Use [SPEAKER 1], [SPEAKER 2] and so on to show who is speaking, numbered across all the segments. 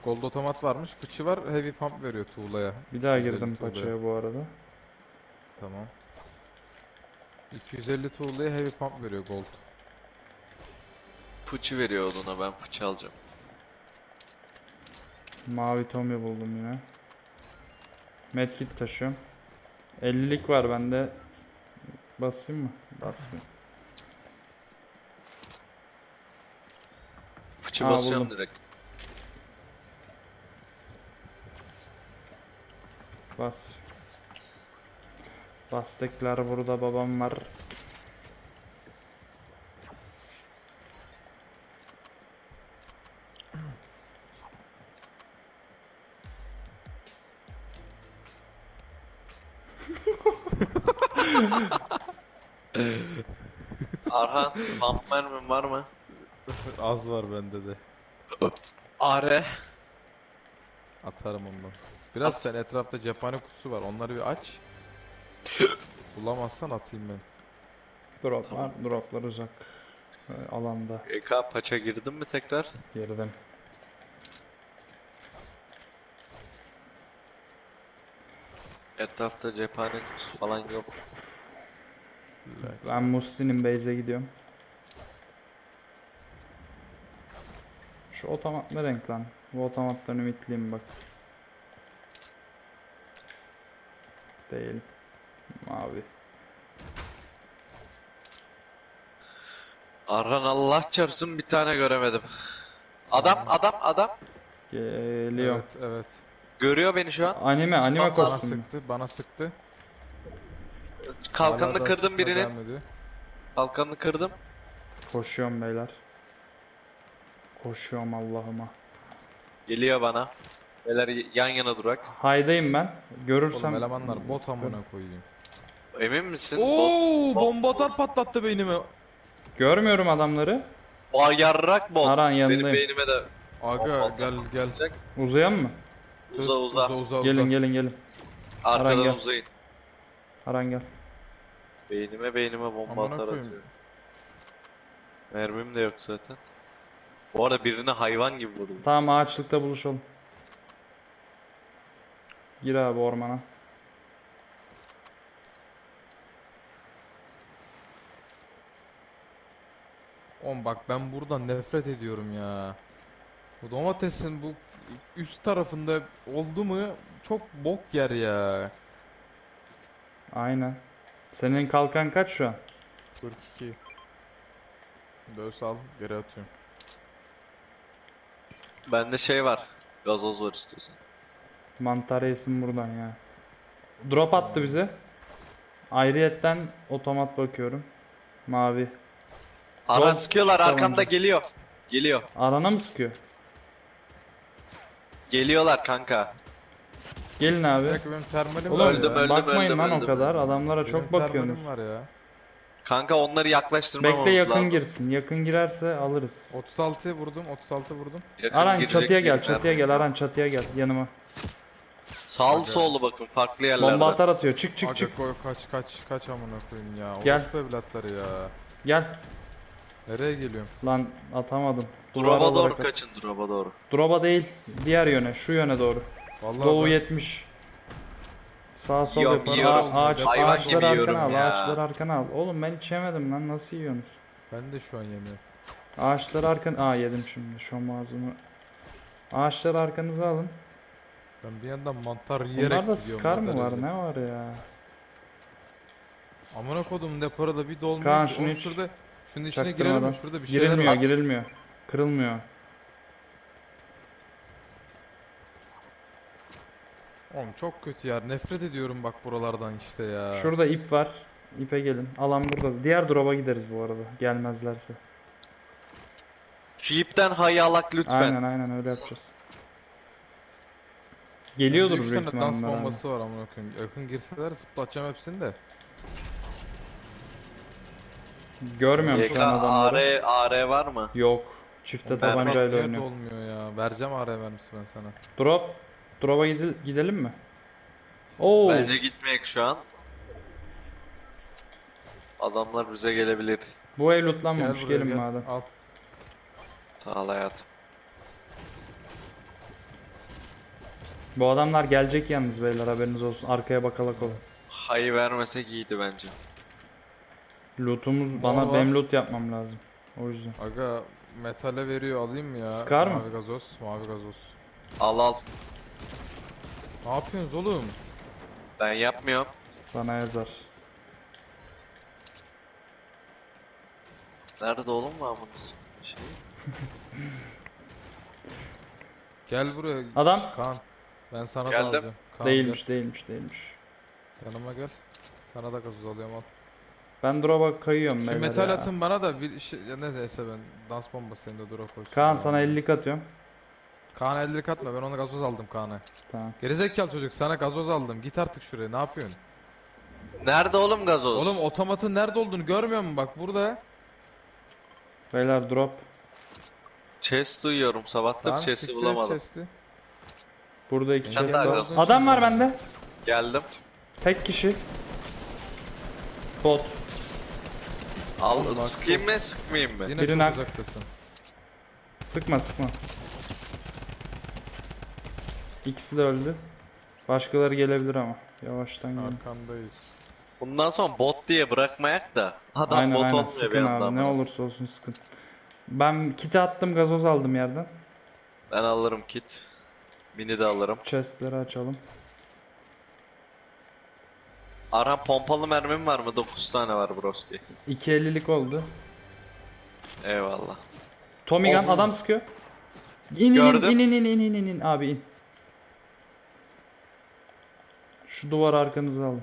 [SPEAKER 1] Gold otomat varmış. Fıçı var. Heavy pump veriyor tuğlaya.
[SPEAKER 2] Bir daha
[SPEAKER 1] 250
[SPEAKER 2] girdim
[SPEAKER 1] tuğlaya.
[SPEAKER 2] paçaya bu arada.
[SPEAKER 1] Tamam. 250 tuğlaya heavy pump veriyor gold.
[SPEAKER 3] Fıçı veriyor oduna, ben fıçı alacağım.
[SPEAKER 2] Mavi Tommy buldum yine. Medkit taşıyorum. 50'lik var bende. Basayım mı? Basmayayım.
[SPEAKER 3] Fıçı
[SPEAKER 2] Aa,
[SPEAKER 3] basıyorum
[SPEAKER 2] buldum.
[SPEAKER 3] direkt.
[SPEAKER 2] Bas. Bastıklar burada, babam var.
[SPEAKER 3] Arhan, pump mermin var mı?
[SPEAKER 1] Az var bende de.
[SPEAKER 3] Are.
[SPEAKER 1] Atarım ondan. Biraz
[SPEAKER 3] At.
[SPEAKER 1] sen etrafta cephane kutusu var. Onları bir aç. Bulamazsan atayım ben.
[SPEAKER 2] Drop var. Droplar uzak. Alanda.
[SPEAKER 3] EK paça girdin mi tekrar?
[SPEAKER 2] Girdim.
[SPEAKER 3] Etrafta cephane kutusu falan yok.
[SPEAKER 2] Ben Muslin'in base'e gidiyorum. Şu otomat ne renk lan? Bu otomattan ümitliyim bak. Değil. Mavi.
[SPEAKER 3] Arhan, Allah çarpsın, bir tane göremedim. Adam.
[SPEAKER 2] Geliyor.
[SPEAKER 1] Evet, evet.
[SPEAKER 3] Görüyor beni şu an.
[SPEAKER 2] Anime
[SPEAKER 3] Bana
[SPEAKER 1] Bana
[SPEAKER 2] kostümü.
[SPEAKER 1] sıktı, bana sıktı.
[SPEAKER 3] Kalkanını
[SPEAKER 1] Hala da
[SPEAKER 3] kırdım
[SPEAKER 1] sıkmaya
[SPEAKER 3] birinin.
[SPEAKER 1] devam ediyor.
[SPEAKER 3] Kalkanını kırdım.
[SPEAKER 2] Koşuyorum beyler. Koşuyorum Allah'ıma.
[SPEAKER 3] Geliyor bana. Beyler yan yana durak.
[SPEAKER 2] Haydayım ben.
[SPEAKER 1] Oğlum
[SPEAKER 2] Görürsem
[SPEAKER 1] elemanlar bot
[SPEAKER 2] sıkı.
[SPEAKER 1] amına koyayım.
[SPEAKER 3] Emin misin?
[SPEAKER 1] Oo, bomba atar patlattı beynimi.
[SPEAKER 2] Görmüyorum adamları.
[SPEAKER 3] Yarrak bot.
[SPEAKER 2] Aran,
[SPEAKER 3] Benim
[SPEAKER 2] yanındayım.
[SPEAKER 3] beynime de
[SPEAKER 1] Aga gel.
[SPEAKER 2] Uzayan mı?
[SPEAKER 3] uza.
[SPEAKER 2] Gelin. Aran
[SPEAKER 3] Arkadan
[SPEAKER 2] gel.
[SPEAKER 3] uzayın.
[SPEAKER 2] Aran gel.
[SPEAKER 3] Beynime bomba
[SPEAKER 1] Amına
[SPEAKER 3] atar
[SPEAKER 1] koyayım.
[SPEAKER 3] atıyor. Mermim de yok zaten. Bu arada birine hayvan gibi vurdum.
[SPEAKER 2] Tamam, ağaçlıkta buluşalım. Gir abi ormana.
[SPEAKER 1] Oğlum bak ben buradan nefret ediyorum ya. Bu domatesin bu üst tarafında oldu mu çok bok yer ya.
[SPEAKER 2] Aynen. Senin kalkan kaç şu an?
[SPEAKER 1] 42. Böyle sal geri atıyorum.
[SPEAKER 3] Bende şey var. Gazoz var istiyorsan.
[SPEAKER 2] Mantar yesin buradan ya. Drop attı bize. Ayrıyetten otomat bakıyorum. Mavi.
[SPEAKER 3] Aran
[SPEAKER 2] Gold
[SPEAKER 3] sıkıyorlar,
[SPEAKER 2] tabanca.
[SPEAKER 3] arkamda geliyor.
[SPEAKER 2] Arana mı sıkıyor?
[SPEAKER 3] Geliyorlar kanka.
[SPEAKER 2] Gelin
[SPEAKER 1] Bir
[SPEAKER 2] abi.
[SPEAKER 1] dakika benim termalim
[SPEAKER 2] Oğlum
[SPEAKER 1] var
[SPEAKER 3] Öldüm,
[SPEAKER 1] ya.
[SPEAKER 3] öldüm.
[SPEAKER 2] bakmayın lan o kadar. Adamlara
[SPEAKER 1] Benim
[SPEAKER 2] çok bakıyorsunuz.
[SPEAKER 1] termalim var ya.
[SPEAKER 3] Kanka onları yaklaştırmamamız
[SPEAKER 2] Bekle, yakın
[SPEAKER 3] lazım.
[SPEAKER 2] girsin. Yakın girerse alırız.
[SPEAKER 1] 36 vurdum, 36 vurdum.
[SPEAKER 3] Yakın
[SPEAKER 2] Aran
[SPEAKER 3] girecek
[SPEAKER 2] çatıya gel,
[SPEAKER 3] bir
[SPEAKER 2] çatıya
[SPEAKER 3] mermim
[SPEAKER 2] gel.
[SPEAKER 3] yok.
[SPEAKER 2] Aran çatıya gel yanıma.
[SPEAKER 3] Sağlı sollu bakın, farklı yerlerde.
[SPEAKER 2] Bomba atar atıyor. Çık çık
[SPEAKER 1] Aga
[SPEAKER 2] çık.
[SPEAKER 1] koy kaç amına koyayım ya.
[SPEAKER 2] Gel.
[SPEAKER 1] Orospu evlatları ya.
[SPEAKER 2] Gel.
[SPEAKER 1] Nereye geliyorum?
[SPEAKER 2] Lan atamadım. Duvar
[SPEAKER 3] Drop'a doğru
[SPEAKER 2] olarak at.
[SPEAKER 3] kaçın, drop'a doğru.
[SPEAKER 2] Drop'a değil. Diğer yöne. Şu yöne doğru.
[SPEAKER 1] Vallahi
[SPEAKER 2] Doğu
[SPEAKER 1] ben-
[SPEAKER 2] 70. Sağ sol
[SPEAKER 3] Yiyorum,
[SPEAKER 2] yapar.
[SPEAKER 3] yiyorum. Hayvan
[SPEAKER 2] Ağaçları
[SPEAKER 3] gibi yiyorum
[SPEAKER 2] arkana al.
[SPEAKER 3] ya.
[SPEAKER 2] Ağaçları arkana al. Oğlum ben hiç yemedim lan. Nasıl yiyorsunuz?
[SPEAKER 1] Ben de şu an yemiyorum.
[SPEAKER 2] Ağaçları arkana... yedim şimdi. Şu ağzımı. Ağaçları arkanıza alın.
[SPEAKER 1] Ben bir yandan mantar yiyerek
[SPEAKER 2] Bunlarda
[SPEAKER 1] gidiyorum.
[SPEAKER 2] skar
[SPEAKER 1] o
[SPEAKER 2] mı var?
[SPEAKER 1] derece.
[SPEAKER 2] Ne var ya?
[SPEAKER 1] Amına kodum depara da bir dolmuyor
[SPEAKER 2] Kaan,
[SPEAKER 1] ki.
[SPEAKER 2] şunu
[SPEAKER 1] Oğlum
[SPEAKER 2] hiç
[SPEAKER 1] şunun içine girelim mi?
[SPEAKER 2] Çaktırmadan.
[SPEAKER 1] Şurada bir şeyler
[SPEAKER 2] Girilmiyor,
[SPEAKER 1] var.
[SPEAKER 2] girilmiyor. Kırılmıyor.
[SPEAKER 1] Oğlum çok kötü ya. Nefret ediyorum bak buralardan işte ya.
[SPEAKER 2] Şurada ip var. İpe gelin. Alan burada. Diğer drop'a gideriz bu arada. Gelmezlerse.
[SPEAKER 3] Şu ipten hayalak lütfen.
[SPEAKER 2] Aynen öyle yapacağız. Geliyordur
[SPEAKER 1] Bende
[SPEAKER 2] büyük
[SPEAKER 1] 3 tane dans
[SPEAKER 2] ihtimalle.
[SPEAKER 1] bombası var amına koyayım. Yakın girseler zıplatacağım hepsini de.
[SPEAKER 2] Görmüyorum
[SPEAKER 3] YK
[SPEAKER 2] şu an adamları.
[SPEAKER 3] AR var mı?
[SPEAKER 2] Yok. Çifte
[SPEAKER 1] Oğlum,
[SPEAKER 2] tabancayla
[SPEAKER 1] niye
[SPEAKER 2] oynuyor.
[SPEAKER 1] dolmuyor ya. Vereceğim AR mermisi ben sana.
[SPEAKER 2] Drop'a gidelim mi? Oo.
[SPEAKER 3] Bence gitmeyek şu an. Adamlar bize gelebilir.
[SPEAKER 2] Bu ev
[SPEAKER 1] Gel
[SPEAKER 2] lootlanmamış.
[SPEAKER 1] buraya
[SPEAKER 2] Gelin
[SPEAKER 1] gel.
[SPEAKER 2] madem.
[SPEAKER 1] Al.
[SPEAKER 3] Sağ ol hayatım.
[SPEAKER 2] Bu adamlar gelecek yalnız beyler, haberiniz olsun. Arkaya bakalak olun.
[SPEAKER 3] Hay vermesek iyiydi bence.
[SPEAKER 2] Lootumuz,
[SPEAKER 1] Mor
[SPEAKER 2] bana
[SPEAKER 1] var.
[SPEAKER 2] benim loot yapmam lazım. O yüzden.
[SPEAKER 1] Aga metale veriyor, alayım mı ya?
[SPEAKER 2] Sıkar mı?
[SPEAKER 1] Mavi gazoz, mavi gazoz.
[SPEAKER 3] Al al.
[SPEAKER 1] Ne yapıyorsunuz oğlum?
[SPEAKER 3] Ben yapmıyorum.
[SPEAKER 2] Bana yazar.
[SPEAKER 3] Nerede oğlum var bunun şey?
[SPEAKER 1] Gel buraya.
[SPEAKER 2] Adam.
[SPEAKER 1] Kaan. Ben sana da
[SPEAKER 3] Geldim.
[SPEAKER 1] alacağım. Kaan
[SPEAKER 2] Değilmiş,
[SPEAKER 1] gel.
[SPEAKER 2] değilmiş.
[SPEAKER 1] Yanıma gel. Sana da gazoz alıyorum, al.
[SPEAKER 2] Ben drop'a kayıyorum
[SPEAKER 1] Şu
[SPEAKER 2] beyler
[SPEAKER 1] metal
[SPEAKER 2] ya.
[SPEAKER 1] atın bana da bir şey, ya neyse ben dans bombası senin de dura koysun.
[SPEAKER 2] Kaan
[SPEAKER 1] Ya.
[SPEAKER 2] sana 50'lik atıyorum.
[SPEAKER 1] Kaan'a 50'lik atma, ben ona gazoz aldım Kaan'a.
[SPEAKER 2] Tamam.
[SPEAKER 1] Gerizekalı çocuk, sana gazoz aldım. Git artık şuraya, ne yapıyorsun?
[SPEAKER 3] Nerede oğlum gazoz?
[SPEAKER 1] Oğlum otomatın nerede olduğunu görmüyor musun? Bak burada.
[SPEAKER 2] Beyler drop.
[SPEAKER 3] Chest duyuyorum. Sabahtır
[SPEAKER 1] Tamam,
[SPEAKER 3] chest'i
[SPEAKER 1] siktir et
[SPEAKER 3] bulamadım.
[SPEAKER 1] chest'i.
[SPEAKER 2] Burada 2
[SPEAKER 3] Sen
[SPEAKER 2] chest
[SPEAKER 3] daha
[SPEAKER 2] var.
[SPEAKER 3] gazoz.
[SPEAKER 2] Adam var bende.
[SPEAKER 3] Geldim.
[SPEAKER 2] Tek kişi. Bot.
[SPEAKER 3] Al
[SPEAKER 1] Oğlum bak,
[SPEAKER 3] sıkayım mı sıkmayayım mı?
[SPEAKER 1] Yine
[SPEAKER 2] Birini
[SPEAKER 1] çok
[SPEAKER 2] hak-
[SPEAKER 1] uzaktasın.
[SPEAKER 2] Sıkma. İkisi de öldü. Başkaları gelebilir ama. Yavaştan gelin.
[SPEAKER 1] Arkandayız.
[SPEAKER 3] Bundan sonra bot diye bırakmayak da adam
[SPEAKER 2] Aynen
[SPEAKER 3] bot
[SPEAKER 2] aynen,
[SPEAKER 3] olmuyor bir
[SPEAKER 2] sıkın
[SPEAKER 3] anda
[SPEAKER 2] abi. Ne
[SPEAKER 3] ama.
[SPEAKER 2] olursa olsun sıkın. Ben kiti attım, gazoz aldım yerden.
[SPEAKER 3] Ben alırım kit. Mini de alırım.
[SPEAKER 2] Chestleri açalım.
[SPEAKER 3] Arhan pompalı mermim var mı? 9 tane var broski.
[SPEAKER 2] 2.50'lik oldu.
[SPEAKER 3] Eyvallah.
[SPEAKER 2] Tommy gun,
[SPEAKER 3] Of.
[SPEAKER 2] adam sıkıyor. İn
[SPEAKER 3] Gördüm.
[SPEAKER 2] in abi in. Şu duvar arkanıza alın.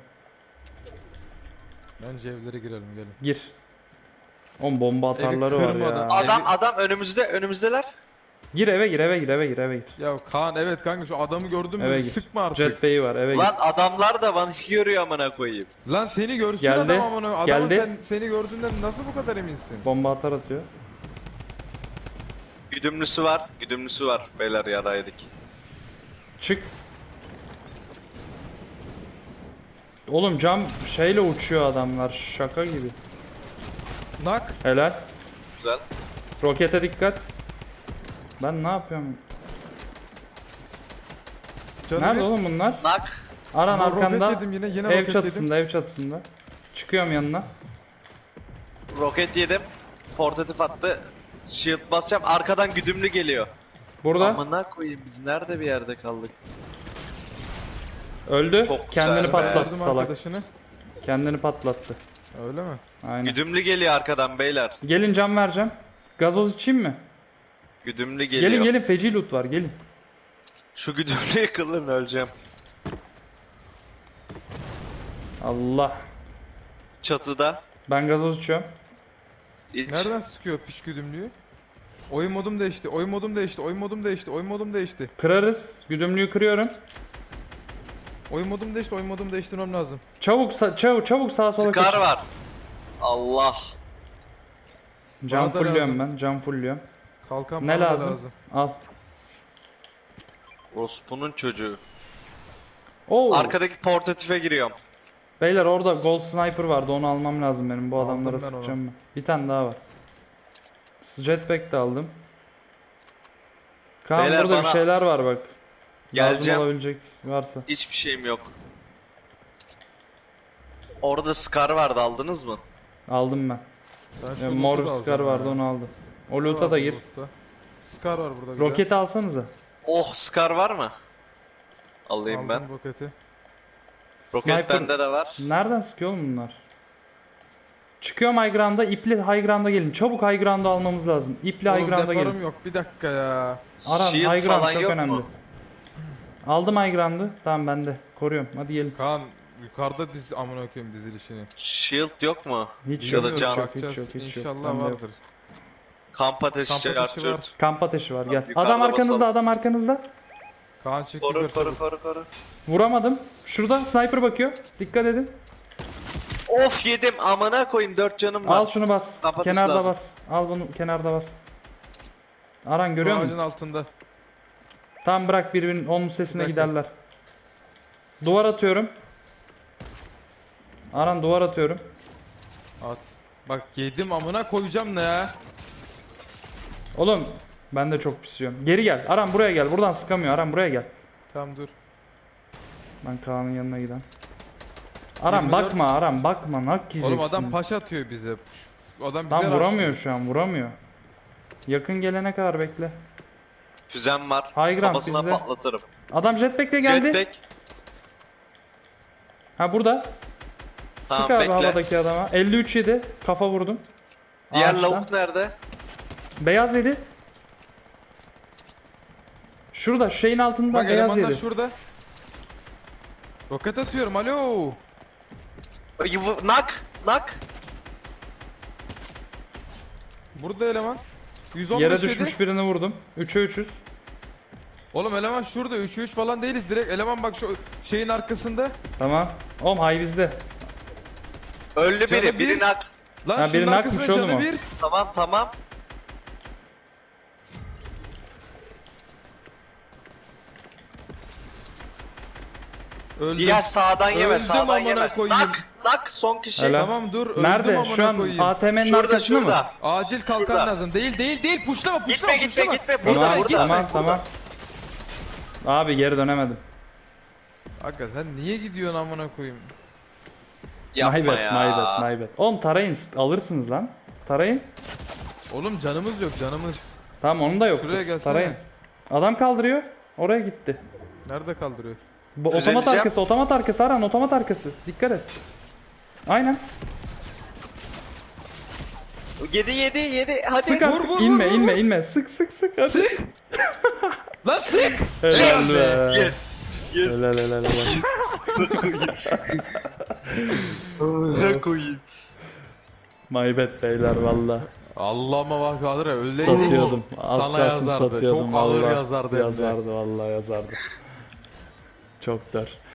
[SPEAKER 1] Bence evlere girelim, gelin.
[SPEAKER 2] Gir. On bomba atarları var
[SPEAKER 1] kırmadan.
[SPEAKER 2] ya.
[SPEAKER 3] Adam önümüzdeler.
[SPEAKER 2] Gir eve gir.
[SPEAKER 1] Ya Kaan, evet kanka, şu adamı gördün mü?
[SPEAKER 2] Eve
[SPEAKER 1] Bir
[SPEAKER 2] gir.
[SPEAKER 1] sıkma artık.
[SPEAKER 2] Jetpay'i var, eve
[SPEAKER 3] Lan
[SPEAKER 2] gir.
[SPEAKER 3] adamlar da bana görüyor amına koyayım.
[SPEAKER 1] Lan seni görsün
[SPEAKER 2] Geldi,
[SPEAKER 1] adam amına. Adamın
[SPEAKER 2] geldi.
[SPEAKER 1] seni gördüğünden nasıl bu kadar eminsin?
[SPEAKER 2] Bomba atar atıyor.
[SPEAKER 3] Güdümlüsü var. Beyler yaraydık.
[SPEAKER 2] Çık. Oğlum cam şeyle uçuyor adamlar, şaka gibi.
[SPEAKER 1] Nak.
[SPEAKER 2] Helal.
[SPEAKER 3] Güzel.
[SPEAKER 2] Rokete dikkat. Ben ne yapıyorum?
[SPEAKER 1] Canım
[SPEAKER 2] Nerede
[SPEAKER 1] bir-
[SPEAKER 2] oğlum bunlar?
[SPEAKER 3] Nak.
[SPEAKER 2] Aran
[SPEAKER 1] Lan
[SPEAKER 2] arkanda.
[SPEAKER 1] roket yedim yine
[SPEAKER 2] Ev
[SPEAKER 1] roket yedim.
[SPEAKER 2] çatısında, ev çatısında. Çıkıyorum yanına.
[SPEAKER 3] Roket yedim. Portatif attı. Shield basacağım. Arkadan güdümlü geliyor.
[SPEAKER 2] Burada.
[SPEAKER 3] Amına koyayım biz nerede bir yerde kaldık?
[SPEAKER 2] Öldü.
[SPEAKER 3] Çok güzel
[SPEAKER 2] Kendini
[SPEAKER 3] be.
[SPEAKER 2] patlattı
[SPEAKER 1] Gördüm
[SPEAKER 2] salak.
[SPEAKER 1] arkadaşını.
[SPEAKER 2] Kendini patlattı.
[SPEAKER 1] Öyle mi?
[SPEAKER 2] Aynen.
[SPEAKER 3] Güdümlü geliyor arkadan beyler.
[SPEAKER 2] Gelin cam vereceğim. Gazoz içeyim mi?
[SPEAKER 3] Güdümlü geliyor.
[SPEAKER 2] Gelin feci loot var gelin.
[SPEAKER 3] Şu güdümlü yıkılın öleceğim.
[SPEAKER 2] Allah.
[SPEAKER 3] Çatıda.
[SPEAKER 2] Ben gazoz içiyorum.
[SPEAKER 3] İç.
[SPEAKER 1] Nereden sıkıyor piç güdümlüğü? Oyun modum değişti. Oyun modum değişti. Oyun modum değişti. Oyun modum değişti.
[SPEAKER 2] Kırarız. Güdümlüğü kırıyorum.
[SPEAKER 1] Oyun modum değişti. Oyun modumu değiştirmem lazım.
[SPEAKER 2] Çabuk sağa sola
[SPEAKER 3] Scar
[SPEAKER 2] kaçın.
[SPEAKER 3] var. Allah.
[SPEAKER 2] Cam
[SPEAKER 1] Bana da
[SPEAKER 2] fullüyorum
[SPEAKER 1] lazım.
[SPEAKER 2] ben. Cam fullüyorum.
[SPEAKER 1] Kalkan
[SPEAKER 2] Ne
[SPEAKER 1] bana da
[SPEAKER 2] lazım? Al.
[SPEAKER 3] Rospu'nun çocuğu.
[SPEAKER 2] Oo.
[SPEAKER 3] Arkadaki portatife giriyorum.
[SPEAKER 2] Beyler orada gold sniper vardı, onu almam lazım benim. Bu
[SPEAKER 1] Aldım
[SPEAKER 2] adamlara
[SPEAKER 1] ben
[SPEAKER 2] sıkacağım ben. Bir tane daha var. Jetpack de aldım. Kaan
[SPEAKER 3] Beyler
[SPEAKER 2] burada bir
[SPEAKER 3] bana-
[SPEAKER 2] şeyler var bak.
[SPEAKER 3] Geleceğim.
[SPEAKER 2] Lazım olabilecek varsa.
[SPEAKER 3] Hiçbir şeyim yok. Orada Scar vardı aldınız mı?
[SPEAKER 2] Aldım ben.
[SPEAKER 1] Sen şu
[SPEAKER 2] Mor
[SPEAKER 1] loot'u da
[SPEAKER 2] bir Scar
[SPEAKER 1] alacaksın
[SPEAKER 2] vardı,
[SPEAKER 1] ha.
[SPEAKER 2] onu aldım. O
[SPEAKER 1] Ne
[SPEAKER 2] loot'a
[SPEAKER 1] var
[SPEAKER 2] da
[SPEAKER 1] bu
[SPEAKER 2] gir.
[SPEAKER 1] loot'ta? Scar var burada güzel.
[SPEAKER 2] Roketi alsanıza.
[SPEAKER 3] Oh Scar var mı? Alayım
[SPEAKER 1] Aldım
[SPEAKER 3] ben.
[SPEAKER 1] roketi.
[SPEAKER 3] Roket bende de var.
[SPEAKER 2] Nereden sıkıyor oğlum bunlar? Çıkıyorum high ground'a, ipli high ground'a gelin. Çabuk high ground'u almamız lazım. İpli high
[SPEAKER 1] Oğlum
[SPEAKER 2] ground'a
[SPEAKER 1] deparım
[SPEAKER 2] gelin.
[SPEAKER 1] yok, bir dakika ya.
[SPEAKER 2] Aran
[SPEAKER 3] Shield
[SPEAKER 2] high ground
[SPEAKER 3] falan
[SPEAKER 2] çok
[SPEAKER 3] yok
[SPEAKER 2] önemli.
[SPEAKER 3] mu?
[SPEAKER 2] Aldım high ground'u. Tamam bende. Koruyorum. Hadi gelin.
[SPEAKER 1] Kaan yukarıda diz amına koyayım dizilişini.
[SPEAKER 3] Shield yok mu?
[SPEAKER 2] Hiç
[SPEAKER 3] Ya
[SPEAKER 2] yok,
[SPEAKER 3] da
[SPEAKER 2] hiç
[SPEAKER 3] can.
[SPEAKER 2] yok, hiç
[SPEAKER 1] Bakacağız.
[SPEAKER 2] yok, hiç yok.
[SPEAKER 1] İnşallah
[SPEAKER 2] Bende yok.
[SPEAKER 1] vardır.
[SPEAKER 3] Kamp ateşi,
[SPEAKER 1] Kamp ateşi
[SPEAKER 3] Arthur.
[SPEAKER 1] var.
[SPEAKER 2] Kamp ateşi var, gel.
[SPEAKER 3] Yukarıda
[SPEAKER 2] Adam arkanızda,
[SPEAKER 3] basalım.
[SPEAKER 2] adam arkanızda.
[SPEAKER 1] Kaan çık
[SPEAKER 3] Koru
[SPEAKER 1] yukarı
[SPEAKER 3] koru
[SPEAKER 1] çabuk.
[SPEAKER 3] koru koru.
[SPEAKER 2] Vuramadım. Şurada sniper bakıyor. Dikkat edin.
[SPEAKER 3] Of yedim amına koyayım 4 canım var.
[SPEAKER 2] Al şunu bas.
[SPEAKER 3] Kamp ateşi
[SPEAKER 2] Kenarda
[SPEAKER 3] lazım.
[SPEAKER 2] bas. Al bunu kenarda bas. Aran görüyor
[SPEAKER 1] Şu
[SPEAKER 2] musun?
[SPEAKER 1] ağacın altında.
[SPEAKER 2] Tam bırak, birbirinin onun sesine
[SPEAKER 1] Bir dakika.
[SPEAKER 2] giderler. Duvar atıyorum. Aran duvar atıyorum.
[SPEAKER 1] At. Bak yedim amına koyacağım ne ya?
[SPEAKER 2] Oğlum ben de çok pisiyorum. Geri gel. Aran buraya gel. Buradan sıkamıyor. Aran buraya gel.
[SPEAKER 1] Tamam dur.
[SPEAKER 2] Ben Kaan'ın yanına giden. Aram
[SPEAKER 1] 24.
[SPEAKER 2] bakma Aram bakma nak yiyeceksin.
[SPEAKER 1] Oğlum adam paş atıyor bize. Adam bize
[SPEAKER 2] Tam
[SPEAKER 1] rushlıyor.
[SPEAKER 2] vuramıyor şu an vuramıyor. Yakın gelene kadar bekle.
[SPEAKER 3] Füzem var.
[SPEAKER 2] High ground
[SPEAKER 3] Kafasına
[SPEAKER 2] bizde.
[SPEAKER 3] patlatırım.
[SPEAKER 2] Adam jetpack'le geldi.
[SPEAKER 3] Jetpack.
[SPEAKER 2] Ha burada.
[SPEAKER 3] Tamam,
[SPEAKER 2] Sık abi
[SPEAKER 3] bekle.
[SPEAKER 2] havadaki adama. 53 yedi. Kafa vurdum.
[SPEAKER 3] Diğer
[SPEAKER 2] Ağaçtan.
[SPEAKER 3] lavuk nerede?
[SPEAKER 2] Beyaz yedi. Şurada şu şeyin altında
[SPEAKER 1] Bak
[SPEAKER 2] beyaz
[SPEAKER 1] elemanlar
[SPEAKER 2] yedi.
[SPEAKER 1] şurada. Roket atıyorum alo.
[SPEAKER 3] Nak. Nak.
[SPEAKER 1] Burada eleman. 115
[SPEAKER 2] Yere
[SPEAKER 1] yedi.
[SPEAKER 2] düşmüş birini vurdum. 3'e 3'üz.
[SPEAKER 1] Oğlum eleman şurada 3'e 3 falan değiliz direkt eleman bak şu şeyin arkasında.
[SPEAKER 2] Tamam. Oğlum hay bizde.
[SPEAKER 3] Öldü
[SPEAKER 1] Canı
[SPEAKER 3] biri.
[SPEAKER 1] bir.
[SPEAKER 3] Biri nak.
[SPEAKER 1] Lan
[SPEAKER 2] Ha,
[SPEAKER 1] şunun
[SPEAKER 2] biri
[SPEAKER 1] arkasında
[SPEAKER 2] nakmış oğlum
[SPEAKER 1] canı
[SPEAKER 2] o.
[SPEAKER 1] bir.
[SPEAKER 3] Tamam tamam.
[SPEAKER 1] Öldüm.
[SPEAKER 3] Diğer sağdan yeme.
[SPEAKER 1] Öldüm
[SPEAKER 3] Sağdan
[SPEAKER 1] amına
[SPEAKER 3] yeme.
[SPEAKER 1] koyayım.
[SPEAKER 3] Nak. Nak. Son kişi.
[SPEAKER 2] Helal.
[SPEAKER 1] Tamam dur öldüm
[SPEAKER 2] Nerede?
[SPEAKER 1] amına
[SPEAKER 2] Şu an
[SPEAKER 1] koyayım.
[SPEAKER 2] ATM'nin
[SPEAKER 3] Şurada
[SPEAKER 2] arkasında mı?
[SPEAKER 3] şurada.
[SPEAKER 1] Acil kalkan
[SPEAKER 3] Şurada.
[SPEAKER 1] lazım. Değil puşlama
[SPEAKER 3] Gitme gitme
[SPEAKER 1] puşlama.
[SPEAKER 3] gitme.
[SPEAKER 2] Tamam,
[SPEAKER 3] Burada
[SPEAKER 1] gitme.
[SPEAKER 3] burada.
[SPEAKER 2] tamam, tamam. Abi geri dönemedim.
[SPEAKER 1] Aga sen niye gidiyorsun amına koyayım?
[SPEAKER 3] Yapma
[SPEAKER 2] My bad,
[SPEAKER 3] ya.
[SPEAKER 2] my bad, my bad. Oğlum tarayın, alırsınız lan. Tarayın.
[SPEAKER 1] Oğlum canımız yok canımız.
[SPEAKER 2] Tamam onun da yok.
[SPEAKER 1] Şuraya gelsene.
[SPEAKER 2] Tarayın. Adam kaldırıyor. Oraya gitti.
[SPEAKER 1] Nerede kaldırıyor?
[SPEAKER 2] Bu
[SPEAKER 3] Düzeleceğim.
[SPEAKER 2] otomat arkası Aran, otomat arkası. Dikkat et. Aynen.
[SPEAKER 3] Yedi. Hadi.
[SPEAKER 2] Sık
[SPEAKER 1] vur,
[SPEAKER 2] artık.
[SPEAKER 1] vur,
[SPEAKER 2] İnme,
[SPEAKER 1] vur,
[SPEAKER 2] inme,
[SPEAKER 1] vur.
[SPEAKER 2] inme. Sık. Hadi.
[SPEAKER 1] Sık. Lan sık.
[SPEAKER 2] Helal
[SPEAKER 3] Yes.
[SPEAKER 2] be.
[SPEAKER 3] Yes. Yes.
[SPEAKER 2] Helal.
[SPEAKER 3] Ne koyayım?
[SPEAKER 2] My bad beyler valla.
[SPEAKER 1] Allah'ıma bak Kadir öyleydik.
[SPEAKER 2] Satıyordum. Az
[SPEAKER 1] Sana
[SPEAKER 2] kalsın
[SPEAKER 1] yazardı.
[SPEAKER 2] satıyordum.
[SPEAKER 1] Çok ağır
[SPEAKER 2] vallahi.
[SPEAKER 1] yazardı hem de.
[SPEAKER 2] Yazardı vallahi yazardı. Çok dar.